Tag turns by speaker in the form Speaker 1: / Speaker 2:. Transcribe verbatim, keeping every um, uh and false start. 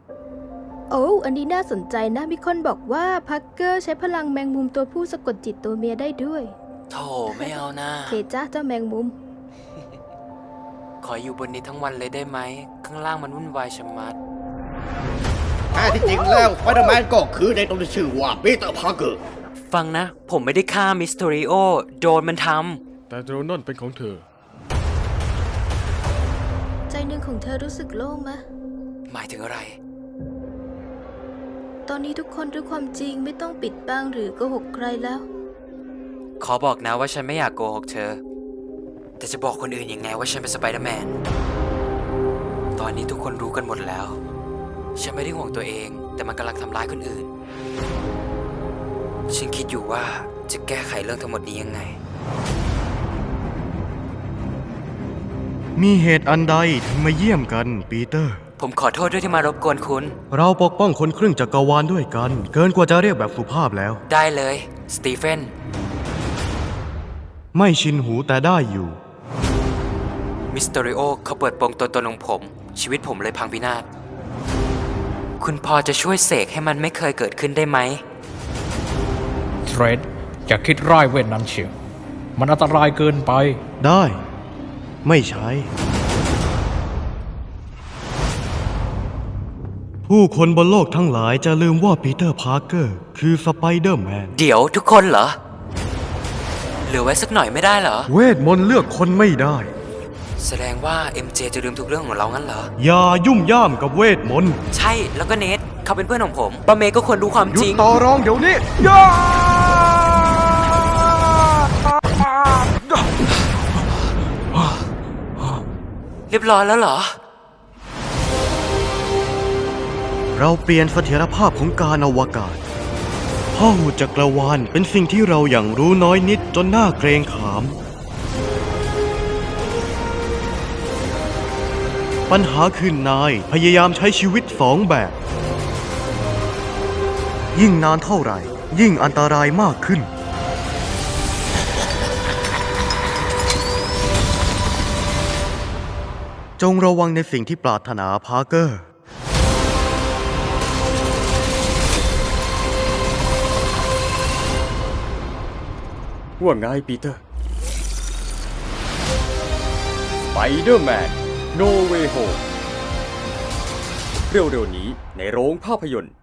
Speaker 1: โอ้อันนี้น่าสนใจนะมีคนบอกว่าพักเกอร์ใช้พลังแมงมุมตัวผู้สะกดจิตตัวเมียได้ด้วย
Speaker 2: โธ่ไม่เอานะ
Speaker 1: เคจ้าเจ้าแมงมุม
Speaker 2: ขออยู่บนนี้ทั้งวันเลยได้ไหมข้างล่างมันวุ่นวายชะมัด
Speaker 3: แท้ที่จริงแล้วสไปเดอร์แมนก็คือในตัวที่ชื่อว่าปีเตอร์พาร์เกอร์
Speaker 2: ฟังนะผมไม่ได้ฆ่ามิสเตอริโอโดนมันท
Speaker 4: ำแต่โดรนนั่นเป็นของเธอ
Speaker 1: ใจหนึ่งของเธอรู้สึกโล่งไหม
Speaker 2: หมายถึงอะไร
Speaker 1: ตอนนี้ทุกคนรู้ความจริงไม่ต้องปิดบังหรือโกหกใครแล้ว
Speaker 2: ขอบอกนะว่าฉันไม่อยากโกหกเธอแต่จะบอกคนอื่นยังไงว่าฉันเป็นสไปเดอร์แมนตอนนี้ทุกคนรู้กันหมดแล้วฉันไม่ได้ห่วงตัวเองแต่มันกำลังทำร้ายคนอื่นฉันคิดอยู่ว่าจะแก้ไขเรื่องทั้งหมดนี้ยังไง
Speaker 5: มีเหตุอันใดถึงมาเยี่ยมกันปีเตอร์
Speaker 2: ผมขอโทษด้วยที่มารบกวนคุณ
Speaker 5: เราปกป้องคนครึ่งจักรวาลด้วยกันเกินกว่าจะเรียกแบบสุภาพแล้ว
Speaker 2: ได้เลยสตีเฟน
Speaker 5: ไม่ชินหูแต่ได้อยู่
Speaker 2: มิสเตอริโอเขาเปิดโปงตัวตนของผมชีวิตผมเลยพังพินาศคุณพอจะช่วยเสกให้มันไม่เคยเกิดขึ้นได้ไหม
Speaker 6: เทรดอย่าคิดร้ายเวทนั้นเชียวมันอันตรายเกินไป
Speaker 5: ได้ไม่ใช่ผู้คนบนโลกทั้งหลายจะลืมว่าปีเตอร์พาร์เกอร์คือสไปเดอร์แมน
Speaker 2: เดี๋ยวทุกคนเหรอเหลือไว้สักหน่อยไม่ได้เหรอ
Speaker 5: เวทมนต์เลือกคนไม่ได้
Speaker 2: แสดงว่า เอ็ม เจ จะลืมทุกเรื่องของเรางั้นเหรอ
Speaker 5: อย่ายุ่มย่ามกับเวทมนต์
Speaker 2: ใช่แล้วก็เนทเขาเป็นเพื่อนของผมปาเมย์ก็ควรรู้ความจริง
Speaker 5: หยุดต่อรองเดี๋ยวนี้ย่า
Speaker 2: เรียบร้อยแล้วเหรอ
Speaker 5: เราเปลี่ยนเสถียรภาพของการอวกาศพ่อหูจักรวาลเป็นสิ่งที่เราอย่างรู้น้อยนิดจนน่าเกรงขามปัญหาคือนายพยายามใช้ชีวิตสองแบบยิ่งนานเท่าไหร่ยิ่งอันตรายมากขึ้นจงระวังในสิ่งที่ปรารถนาพาร์เกอร์
Speaker 4: ว่าไงปีเตอร์สไปเดอร์แมนโนเวย์โฮมเร็วๆนี้ในโรงภาพยนตร์